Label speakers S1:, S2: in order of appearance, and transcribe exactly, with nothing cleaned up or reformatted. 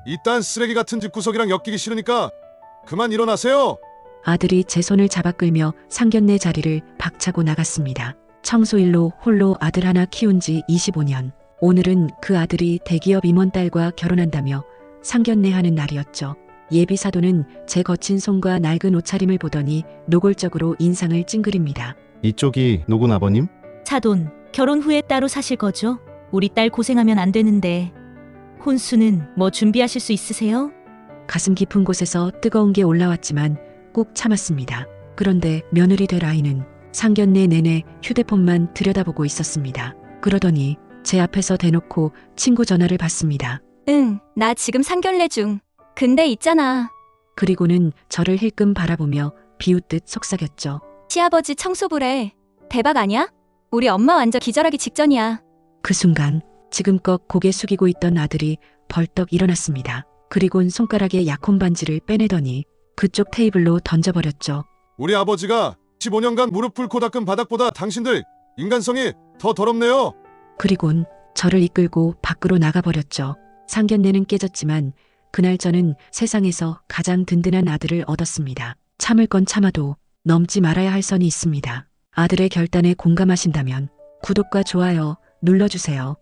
S1: 이딴 쓰레기 같은 집구석이랑 엮이기 싫으니까 그만 일어나세요.
S2: 아들이 제 손을 잡아 끌며 상견례 자리를 박차고 나갔습니다. 청소일로 홀로 아들 하나 키운 지 이십오 년. 오늘은 그 아들이 대기업 임원 딸과 결혼한다며 상견례하는 날이었죠. 예비 사도는 제 거친 손과 낡은 옷차림을 보더니 노골적으로 인상을 찡그립니다.
S3: 이쪽이 노군 아버님?
S4: 사돈, 결혼 후에 따로 사실 거죠? 우리 딸 고생하면 안 되는데. 혼수는 뭐 준비하실 수 있으세요?
S2: 가슴 깊은 곳에서 뜨거운 게 올라왔지만 꾹 참았습니다. 그런데 며느리 될 아이는 상견례 내내 휴대폰만 들여다보고 있었습니다. 그러더니 제 앞에서 대놓고 친구 전화를 받습니다.
S5: 응, 나 지금 상견례 중. 근데 있잖아.
S2: 그리고는 저를 힐끔 바라보며 비웃듯 속삭였죠.
S5: 시아버지 청소부래. 대박 아니야? 우리 엄마 완전 기절하기 직전이야.
S2: 그 순간 지금껏 고개 숙이고 있던 아들이 벌떡 일어났습니다. 그리곤 손가락에 약혼 반지를 빼내더니 그쪽 테이블로 던져버렸죠.
S1: 우리 아버지가 십오 년간 무릎 꿇고 닦은 바닥보다 당신들 인간성이 더 더럽네요.
S2: 그리곤 저를 이끌고 밖으로 나가버렸죠. 상견례는 깨졌지만 그날 저는 세상에서 가장 든든한 아들을 얻었습니다. 참을 건 참아도 넘지 말아야 할 선이 있습니다. 아들의 결단에 공감하신다면 구독과 좋아요 눌러주세요.